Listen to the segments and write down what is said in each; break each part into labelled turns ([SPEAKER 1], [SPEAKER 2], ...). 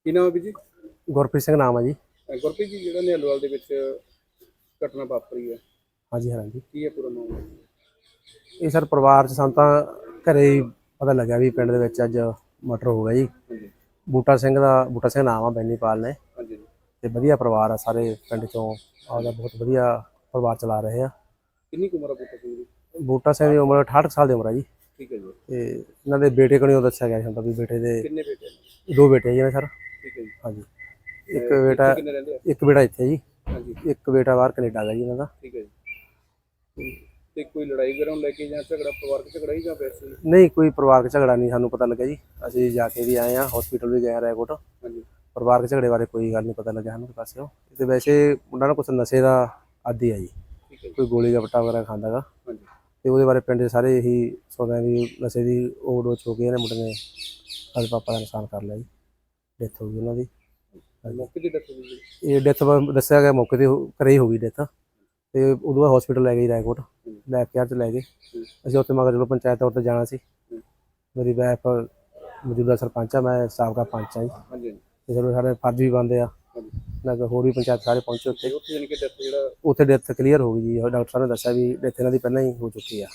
[SPEAKER 1] ਕੀ ਨਾਮ ਹੈ ਵੀਰ ਜੀ?
[SPEAKER 2] ਗੁਰਪ੍ਰੀਤ ਸਿੰਘ ਨਾਮ ਹੈ ਜੀ।
[SPEAKER 1] ਗੁਰਪ੍ਰੀਤ ਜੀ, ਜਿਹੜਾ ਨਿਹਲਵਾਲ ਦੇ ਵਿੱਚ ਘਟਨਾ ਵਾਪਰੀ ਹੈ,
[SPEAKER 2] ਹਾਂਜੀ ਹਾਂਜੀ।
[SPEAKER 1] ਕੀ ਹੈ ਪੂਰਾ ਮਾਮਲਾ?
[SPEAKER 2] ਇਹ ਸਰ ਪਰਿਵਾਰ 'ਚ ਸਾਨੂੰ ਤਾਂ ਘਰੇ ਹੀ ਪਤਾ ਲੱਗਿਆ ਵੀ ਪਿੰਡ ਦੇ ਵਿੱਚ ਅੱਜ ਮਰਡਰ ਹੋ ਗਿਆ ਜੀ।
[SPEAKER 1] ਹਾਂਜੀ
[SPEAKER 2] ਬੂਟਾ ਸਿੰਘ ਨਾਮ ਆ, ਬੈਨੀਪਾਲ ਨੇ।
[SPEAKER 1] ਹਾਂਜੀ।
[SPEAKER 2] ਤੇ ਵਧੀਆ ਪਰਿਵਾਰ ਆ, ਸਾਰੇ ਪਿੰਡ 'ਚੋਂ ਆਪਦਾ ਬਹੁਤ ਵਧੀਆ ਪਰਿਵਾਰ ਚਲਾ ਰਹੇ ਆ।
[SPEAKER 1] ਕਿੰਨੀ ਕੁ ਉਮਰ ਆ ਬੂਟਾ ਸਿੰਘ ਦੀ?
[SPEAKER 2] ਬੂਟਾ ਸਿੰਘ ਦੀ ਉਮਰ 68 ਸਾਲ ਦੀ ਉਮਰ ਆ ਜੀ।
[SPEAKER 1] ਠੀਕ ਹੈ ਜੀ।
[SPEAKER 2] ਤੇ ਇਹਨਾਂ ਦੇ ਬੇਟੇ ਕੋਲੋਂ ਦੱਸਿਆ ਗਿਆ ਹੁੰਦਾ ਵੀ ਬੇਟੇ ਦੇ
[SPEAKER 1] ਕਿੰਨੇ ਬੇਟੇ ਨੇ?
[SPEAKER 2] 2 ਬੇਟੇ ਜੀ ਨੇ ਸਰ।
[SPEAKER 1] ਠੀਕ ਹੈ ਜੀ।
[SPEAKER 2] ਹਾਂਜੀ।
[SPEAKER 1] ਇੱਥੇ ਕਿੰਨੇ ਰਹਿੰਦੇ ਆ?
[SPEAKER 2] ਇੱਕ ਬੇਟਾ ਇੱਥੇ ਜੀ,
[SPEAKER 1] ਹਾਂਜੀ।
[SPEAKER 2] ਇੱਕ ਬੇਟਾ ਬਾਹਰ ਕੈਨੇਡਾ ਦਾ ਜੀ ਇਹਨਾਂ ਦਾ।
[SPEAKER 1] ਠੀਕ ਹੈ ਜੀ। ਤੇ ਕੋਈ ਲੜਾਈ ਵਗੈਰਾ ਨੂੰ ਲੈ ਕੇ ਜਾਂ ਝਗੜਾ, ਪਰਿਵਾਰਕ ਝਗੜਾ ਹੀ ਜਾਂ ਵੈਸੇ ਹੀ?
[SPEAKER 2] ਨਹੀਂ, ਕੋਈ ਪਰਿਵਾਰਕ ਝਗੜਾ ਨਹੀਂ ਸਾਨੂੰ ਪਤਾ ਲੱਗਿਆ ਜੀ। ਅਸੀਂ ਜਾ ਕੇ ਵੀ ਆਏ ਆ, ਹਸਪੀਟਲ ਵੀ ਗਏ ਆ ਰਾਏਕੋਟ।
[SPEAKER 1] ਹਾਂਜੀ।
[SPEAKER 2] ਪਰਿਵਾਰਕ ਝਗੜੇ ਬਾਰੇ ਕੋਈ ਗੱਲ ਨਹੀਂ ਪਤਾ ਲੱਗਿਆ ਸਾਨੂੰ ਪਾਸਿਓਂ। ਤੇ ਵੈਸੇ ਮੁੰਡਾ ਨਾ ਕੁਛ ਨਸ਼ੇ ਦਾ ਆਦੀ ਆ ਜੀ,
[SPEAKER 1] ਠੀਕ ਹੈ ਜੀ।
[SPEAKER 2] ਕੋਈ ਗੋਲੀ ਗੱਪਟਾ ਵਗੈਰਾ ਖਾਂਦਾ ਗਾ।
[SPEAKER 1] ਹਾਂਜੀ।
[SPEAKER 2] ਤੇ ਉਹਦੇ ਬਾਰੇ ਪਿੰਡ ਦੇ ਸਾਰੇ ਇਹੀ ਸੋਚਦੇ ਵੀ ਨਸ਼ੇ ਦੀ ਓਵਰਡੋਜ਼ ਹੋ ਕੇ ਇਹਨੇ ਮੁੰਡੇ ਨੇ ਸਾਡੇ ਪਾਪਾ ਦਾ ਨੁਕਸਾਨ ਕਰ ਲਿਆ ਜੀ। ਡੈਥ ਹੋ ਗਈ ਉਹਨਾਂ ਦੀ।
[SPEAKER 1] ਮੌਕੇ ਦੀ ਡੈਥ ਹੋਈ ਜੀ?
[SPEAKER 2] ਇਹ ਡੈਥ ਦੱਸਿਆ ਗਿਆ ਮੌਕੇ ਤੇ ਘਰੇ ਹੀ ਹੋ ਗਈ ਡੈਥ। ਤੇ ਉਦੋਂ ਬਾਅਦ ਹਸਪੀਟਲ ਲੈ ਗਏ ਰਾਏਕੋਟ, ਲੈਬ ਕੇਅਰ 'ਚ ਲੈ ਗਏ। ਅਸੀਂ ਉੱਥੇ ਮਗਰ ਚਲੋ ਪੰਚਾਇਤ ਤੌਰ 'ਤੇ ਜਾਣਾ ਸੀ। ਮੇਰੀ ਵਾਈਫ ਮੌਜੂਦਾ ਸਰਪੰਚ ਆ, ਮੈਂ ਸਾਬਕਾ ਪੰਚ ਆ ਜੀ।
[SPEAKER 1] ਹਾਂਜੀ।
[SPEAKER 2] ਤੇ ਚਲੋ ਸਾਡੇ ਫਰਜ਼ ਵੀ ਬਣਦੇ ਆ। ਨਾ ਹੋਰ ਵੀ ਪੰਚਾਇਤ ਸਾਰੇ ਪਹੁੰਚੇ ਉੱਥੇ।
[SPEAKER 1] ਉੱਥੇ ਜਾਣੀ ਕਿ ਡੈਥ ਜਿਹੜਾ
[SPEAKER 2] ਉੱਥੇ ਡੈਥ ਕਲੀਅਰ ਹੋ ਗਈ ਜੀ। ਡਾਕਟਰ ਸਾਹਿਬ ਨੇ ਦੱਸਿਆ ਵੀ ਡੈਥ ਇਹਨਾਂ ਦੀ ਪਹਿਲਾਂ ਹੀ ਹੋ ਚੁੱਕੀ ਆ।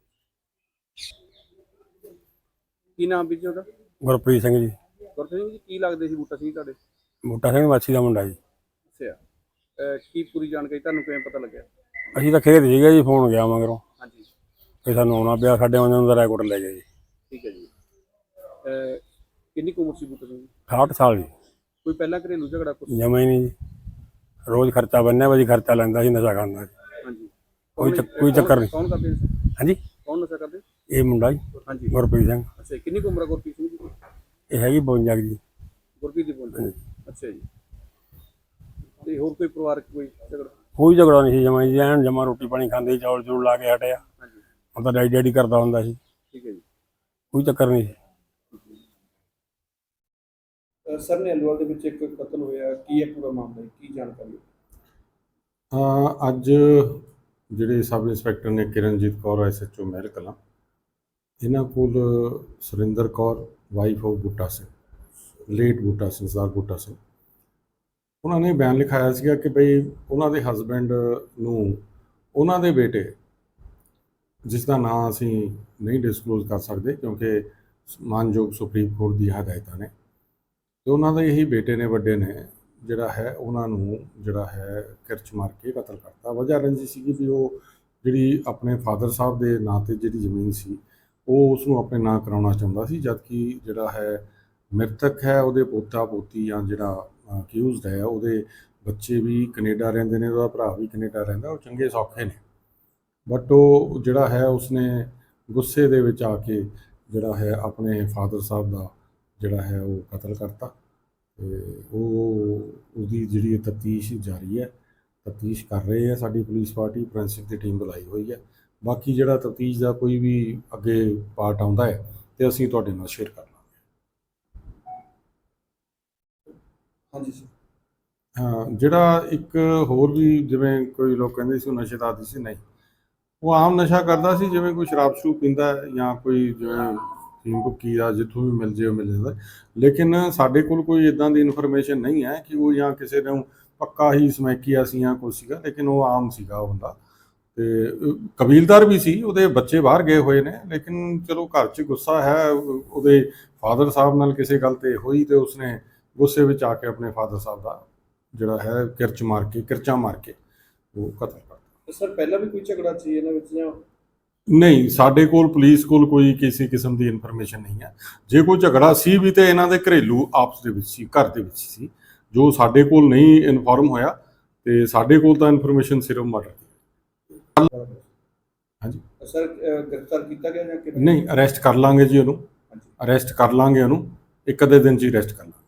[SPEAKER 1] ਕੀ ਨਾਮ ਵੀਰ ਜੀ ਉਹਦਾ?
[SPEAKER 3] ਗੁਰਪ੍ਰੀਤ ਸਿੰਘ ਜੀ।
[SPEAKER 1] ਗੁਰਪ੍ਰੀਤ ਸਿੰਘ ਜੀ, ਕੀ ਲੱਗਦੇ ਸੀ ਬੂਟਾ ਸਿੰਘ ਤੁਹਾਡੇ?
[SPEAKER 3] ਬੂਟਾ ਸਿੰਘ ਮਾਛੀ ਦਾ ਮੁੰਡਾ ਜੀ।
[SPEAKER 1] ਅੱਛਾ। ਕੀ ਪੂਰੀ ਜਾਣਕਾਰੀ ਤੁਹਾਨੂੰ ਕਿਵੇਂ ਪਤਾ ਲੱਗਿਆ?
[SPEAKER 3] ਅਸੀਂ ਤਾਂ ਖੇਤ ਸੀਗੇ ਜੀ, ਫੋਨ ਗਿਆ ਮਗਰੋਂ,
[SPEAKER 1] ਹਾਂਜੀ।
[SPEAKER 3] ਫਿਰ ਸਾਨੂੰ ਆਉਣਾ ਪਿਆ। ਸਾਡੇ ਆਉਂਦੇ ਨੂੰ ਰਾਏਕੋਟ ਲੈ ਗਏ ਜੀ।
[SPEAKER 1] ਠੀਕ ਹੈ ਜੀ। ਕਿੰਨੀ ਕੁ ਉਮਰ ਸੀ ਬੂਟਾ ਸਿੰਘ ਦੀ?
[SPEAKER 3] 68 ਸਾਲ ਜੀ।
[SPEAKER 1] ਕੋਈ ਪਹਿਲਾਂ ਘਰੇਲੂ ਝਗੜਾ ਕੁਛ?
[SPEAKER 3] ਜਮਾ ਹੀ ਨਹੀਂ ਜੀ। ਰੋਜ਼ ਖਰਚਾ ਬੰਨਿਆ ਵਾ ਜੀ, ਖਰਚਾ ਲੈਂਦਾ ਸੀ, ਨਸ਼ਾ ਕਰਦਾ ਸੀ।
[SPEAKER 1] ਹਾਂਜੀ।
[SPEAKER 3] ਕੋਈ ਚੱਕਰ ਨਹੀਂ।
[SPEAKER 1] ਕੌਣ ਕਰਦੇ ਸੀ?
[SPEAKER 3] ਹਾਂਜੀ।
[SPEAKER 1] ਕੌਣ ਨਸ਼ਾ ਕਰਦੇ?
[SPEAKER 3] ਇਹ ਮੁੰਡਾ ਜੀ,
[SPEAKER 1] ਹਾਂਜੀ।
[SPEAKER 3] ਗੁਰਪ੍ਰੀਤ ਸਿੰਘ।
[SPEAKER 1] ਅੱਛਾ। ਕਿੰਨੀ ਕੁ ਉਮਰ ਆ ਗੁਰਪ੍ਰੀਤ ਸਿੰਘ ਦੀ?
[SPEAKER 3] ਇਹ ਹੈਗੀ 52 ਜੀ।
[SPEAKER 1] ਗੁਰਪ੍ਰੀਤ ਦੀ ਬੋਲਦੇ? ਅੱਛਾ ਜੀ। ਤੇ ਹੋਰ ਕੋਈ ਪਰਿਵਾਰਕ ਕੋਈ ਝਗੜਾ?
[SPEAKER 3] ਕੋਈ ਝਗੜਾ ਨਹੀਂ ਸੀ ਜਮਾ ਜੀ। ਐਨ ਜਮਾ ਰੋਟੀ ਪਾਣੀ ਖਾਂਦੇ, ਚੌਲ ਚੂਲ ਲਾ ਕੇ ਹਟਿਆ।
[SPEAKER 1] ਹਾਂਜੀ।
[SPEAKER 3] ਹੁਣ ਤਾਂ ਡੈਡੀ ਕਰਦਾ ਹੁੰਦਾ ਸੀ।
[SPEAKER 1] ਠੀਕ ਹੈ ਜੀ।
[SPEAKER 3] ਕੋਈ ਚੱਕਰ ਨਹੀਂ ਸੀ।
[SPEAKER 1] ਸਰ, ਨਿਹਲਵਾਲ ਦੇ ਵਿੱਚ ਇੱਕ ਕਤਲ ਹੋਇਆ, ਕੀ ਹੈ ਪੂਰਾ ਮਾਮਲਾ, ਕੀ ਜਾਣਕਾਰੀ?
[SPEAKER 4] ਅੱਜ ਜਿਹੜੇ ਸਬ ਇੰਸਪੈਕਟਰ ਨੇ ਕਿਰਨਜੀਤ ਕੌਰ, SHO ਮਹਿਲ ਕਲਾਂ, ਇਹਨਾਂ ਕੋਲ Surinder Kaur wife of Buta Singh, late Buta Singh, Sardar Buta Singh, ਉਹਨਾਂ ਨੇ ਬਿਆਨ ਲਿਖਾਇਆ ਸੀਗਾ ਕਿ ਬਈ ਉਹਨਾਂ ਦੇ ਹਸਬੈਂਡ ਨੂੰ ਉਹਨਾਂ ਦੇ ਬੇਟੇ, ਜਿਸ ਦਾ ਨਾਂ ਅਸੀਂ ਨਹੀਂ ਡਿਸਕਲੋਜ਼ ਕਰ ਸਕਦੇ ਕਿਉਂਕਿ ਮਾਨਯੋਗ ਸੁਪਰੀਮ ਕੋਰਟ ਦੀ ਹਦਾਇਤਾਂ ਨੇ, ਤੇ ਉਹਨਾਂ ਦੇ ਇਹੀ ਬੇਟੇ ਨੇ, ਵੱਡੇ ਨੇ, ਜਿਹੜਾ ਹੈ ਉਹਨਾਂ ਨੂੰ ਜਿਹੜਾ ਹੈ ਕਿਰਚ ਮਾਰ ਕੇ ਕਤਲ ਕਰਤਾ। ਵਜ੍ਹਾ ਰੰਜੀ ਸੀਗੀ ਵੀ ਉਹ ਜਿਹੜੀ ਆਪਣੇ ਫਾਦਰ ਸਾਹਿਬ ਦੇ ਨਾਂ 'ਤੇ ਜਿਹੜੀ ਜ਼ਮੀਨ ਸੀ ਉਹ ਉਸ ਨੂੰ ਆਪਣੇ ਨਾਂ ਕਰਾਉਣਾ ਚਾਹੁੰਦਾ ਸੀ, ਜਦਕਿ ਜਿਹੜਾ ਹੈ ਮ੍ਰਿਤਕ ਹੈ ਉਹਦੇ ਪੋਤਾ ਪੋਤੀ ਜਾਂ ਜਿਹੜਾ ਅਕਿਊਜ਼ਡ ਹੈ ਉਹਦੇ ਬੱਚੇ ਵੀ ਕੈਨੇਡਾ ਰਹਿੰਦੇ ਨੇ, ਉਹਦਾ ਭਰਾ ਵੀ ਕੈਨੇਡਾ ਰਹਿੰਦਾ, ਉਹ ਚੰਗੇ ਸੌਖੇ ਨੇ। ਬਟ ਉਹ ਜਿਹੜਾ ਹੈ ਉਸਨੇ ਗੁੱਸੇ ਦੇ ਵਿੱਚ ਆ ਕੇ ਜਿਹੜਾ ਹੈ ਆਪਣੇ ਫਾਦਰ ਸਾਹਿਬ ਦਾ ਜਿਹੜਾ ਹੈ ਉਹ ਕਤਲ ਕਰਤਾ। ਤੇ ਉਹਦੀ ਜਿਹੜੀ ਤਫਤੀਸ਼ ਜਾਰੀ ਹੈ, ਤਫਤੀਸ਼ ਕਰ ਰਹੇ ਹੈ ਸਾਡੀ ਪੁਲਿਸ ਪਾਰਟੀ, ਫੋਰੈਂਸਿਕ ਦੀ ਟੀਮ ਬੁਲਾਈ ਹੋਈ ਹੈ। ਬਾਕੀ ਜਿਹੜਾ ਤਫਤੀਸ਼ ਦਾ ਕੋਈ ਵੀ ਅੱਗੇ ਪਾਰਟ ਆਉਂਦਾ ਹੈ ਤੇ ਅਸੀਂ ਤੁਹਾਡੇ ਨਾਲ ਸ਼ੇਅਰ ਕਰ ਲਾਂਗੇ।
[SPEAKER 1] ਹਾਂਜੀ ਸਰ।
[SPEAKER 4] ਹਾਂ, ਜਿਹੜਾ ਇੱਕ ਹੋਰ ਵੀ ਜਿਵੇਂ ਕੋਈ ਲੋਕ ਕਹਿੰਦੇ ਸੀ ਉਹ ਨਸ਼ੇ ਦਾ ਆਦੀ ਸੀ, ਨਹੀਂ, ਉਹ ਆਮ ਨਸ਼ਾ ਕਰਦਾ ਸੀ, ਜਿਵੇਂ ਕੋਈ ਸ਼ਰਾਬ ਸ਼ਰੂਬ ਪੀਂਦਾ ਜਾਂ ਕੋਈ ਜਿਵੇਂ ਫੀਮ ਭੁੱਕੀ ਦਾ ਜਿੱਥੋਂ ਵੀ ਮਿਲ ਜੇ ਉਹ ਮਿਲ ਜਾਂਦਾ। ਲੇਕਿਨ ਸਾਡੇ ਕੋਲ ਕੋਈ ਇੱਦਾਂ ਦੀ ਇਨਫੋਰਮੇਸ਼ਨ ਨਹੀਂ ਹੈ ਕਿ ਉਹ ਜਾਂ ਕਿਸੇ ਨੂੰ ਪੱਕਾ ਹੀ ਸਮੈਕੀਆ ਸੀ ਜਾਂ ਕੁਛ ਸੀਗਾ, ਲੇਕਿਨ ਉਹ ਆਮ ਸੀਗਾ ਉਹ ਬੰਦਾ। ਤੇ ਕਬੀਲਦਾਰ ਵੀ ਸੀ, ਉਹਦੇ ਬੱਚੇ ਬਾਹਰ ਗਏ ਹੋਏ ਨੇ, ਲੇਕਿਨ ਚਲੋ ਘਰ 'ਚ ਗੁੱਸਾ ਹੈ ਉਹਦੇ ਫਾਦਰ ਸਾਹਿਬ ਨਾਲ ਕਿਸੇ ਗੱਲ 'ਤੇ ਹੋਈ ਤੇ ਉਸਨੇ ਗੁੱਸੇ ਵਿੱਚ ਆ ਕੇ ਆਪਣੇ ਫਾਦਰ ਸਾਹਿਬ ਦਾ ਜਿਹੜਾ ਹੈ ਕਿਰਚਾਂ ਮਾਰ ਕੇ ਉਹ ਕਤਲ ਕਰਤਾ।
[SPEAKER 1] ਸਰ, ਪਹਿਲਾਂ ਵੀ ਕੋਈ ਝਗੜਾ ਸੀ ਇਹਨਾਂ ਵਿੱਚ ਜਾਂ?
[SPEAKER 4] ਨਹੀਂ, ਸਾਡੇ ਕੋਲ ਪੁਲਿਸ ਕੋਲ ਕੋਈ ਕਿਸੇ ਕਿਸਮ ਦੀ ਇਨਫੋਰਮੇਸ਼ਨ ਨਹੀਂ ਹੈ। ਜੇ ਕੋਈ ਝਗੜਾ ਸੀ ਵੀ ਤੇ ਇਹਨਾਂ ਦੇ ਘਰੇਲੂ ਆਪਸ ਦੇ ਵਿੱਚ ਸੀ, ਘਰ ਦੇ ਵਿੱਚ ਸੀ, ਜੋ ਸਾਡੇ ਕੋਲ ਨਹੀਂ ਇਨਫੋਰਮ ਹੋਇਆ। ਤੇ ਸਾਡੇ ਕੋਲ ਤਾਂ ਇਨਫੋਰਮੇਸ਼ਨ ਸਿਰਫ ਮਰਡਰ ਦੀ। ਹਾਂਜੀ
[SPEAKER 1] ਸਰ, ਗ੍ਰਿਫਤਾਰ ਕੀਤਾ ਗਿਆ ਜਾਂ ਕਿਵੇਂ?
[SPEAKER 4] ਨਹੀਂ, ਅਰੈਸਟ ਕਰ ਲਾਂਗੇ ਜੀ ਉਹਨੂੰ, ਅਰੈਸਟ ਕਰ ਲਾਂਗੇ ਉਹਨੂੰ, ਇੱਕ ਅੱਧੇ ਦਿਨ 'ਚ ਹੀ ਅਰੈਸਟ ਕਰ ਲਾਂਗੇ।